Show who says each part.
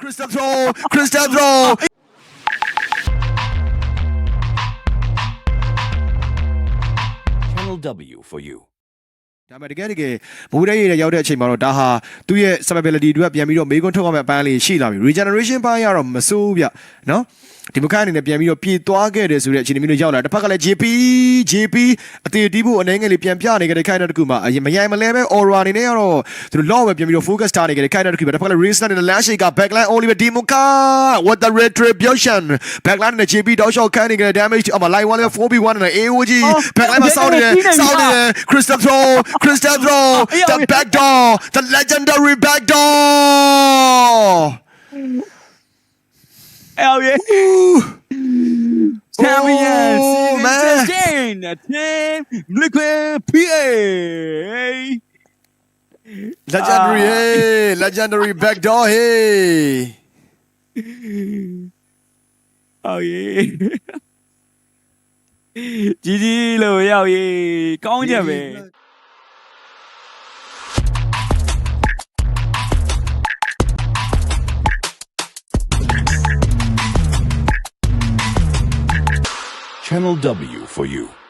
Speaker 1: Crystal throw.
Speaker 2: Channel W for you.
Speaker 1: ဒါပေမဲ့တကယ်မိုးရဲရရောက်တဲ့အချိန်မှာတော့ဒါဟာသူ့ရဲ့ survivability တွေပြန်ပြီးတော့မေးခွန်းထုတ်ရမယ့်အပိုင်းလေးရှိလာပြီ regeneration ပိုင်းကတော့မစိုးဘူးဗျနော်ဒီမခန်းအနေနဲ့ပြန်ပြီးတော့ပြေးသွားခဲ့တယ်ဆိုတဲ့အခြေအနေမျိုးတွေရောက်လာတစ်ဖက်ကလည်း JP အသေးတီးဖို့အနေငယ်လေးပြန်ပြနေကြတဲ့ခိုင်တဲ့တကူမှာမရိုင်မလဲပဲ aura အနေနဲ့ကတော့သူတို့ law ပဲပြန်ပြီးတော့ focus ထားနေကြတဲ့ခိုင်တဲ့တကူပဲတစ်ဖက်ကလည်း race နဲ့ last shake က backline Oliver Dimuka what the retribution backline နဲ့ JP တောက်လျှောက်ခံနေကြတဲ့ damage အမ line 1 4v1 နဲ့ AOG backline မှာစောင်းနေတယ် Crystal throw the back door the legendary back door
Speaker 3: Hell yeah. Champion
Speaker 1: man.
Speaker 3: Season 10 Team Liquid PA.
Speaker 1: Legendary back door hey.
Speaker 3: Oh yeah. GG လို့ရောက်ရေးကောင်းချက်ပဲ
Speaker 2: Channel W for you.